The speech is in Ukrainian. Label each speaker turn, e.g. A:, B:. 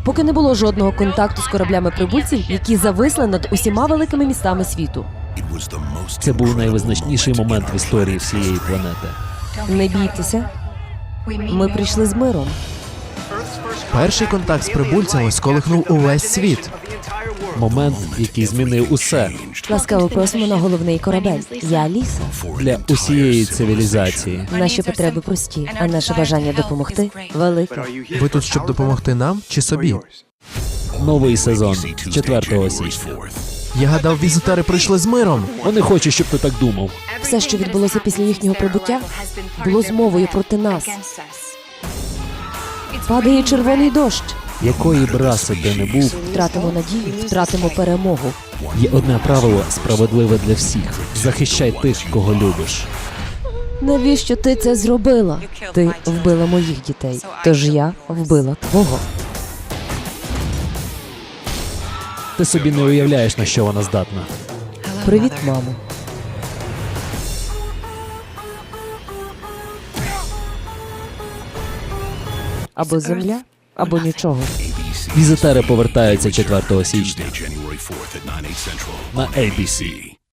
A: поки не було жодного контакту з кораблями прибульців, які зависли над усіма великими містами світу.
B: Це був найвизначніший момент в історії всієї планети.
A: Не бійтеся, ми прийшли з миром.
C: Перший контакт з прибульцями сколихнув увесь світ.
B: Момент, який змінив усе
A: Ласкаво просимо на головний корабель. Я Аліса.
B: для усієї цивілізації.
A: Наші потреби прості, а наше бажання допомогти велике.
C: Ви тут, щоб допомогти нам чи собі?
B: Новий сезон 4 січня.
C: Я гадав, візитери прийшли з миром.
B: Вони хочуть, щоб ти так думав.
A: Все, що відбулося після їхнього прибуття, було змовою проти нас. Падає червоний дощ.
B: Якої б раси ти не був,
A: Втратимо надію, втратимо перемогу.
B: є одне правило справедливе для всіх. Захищай тих, кого любиш.
A: Навіщо ти це зробила? Ти вбила моїх дітей, тож я вбила твого.
B: Ти собі не уявляєш, на що вона здатна.
A: Привіт, мамо. Або земля, або нічого.
B: Візитери повертаються 4 січня на ABC.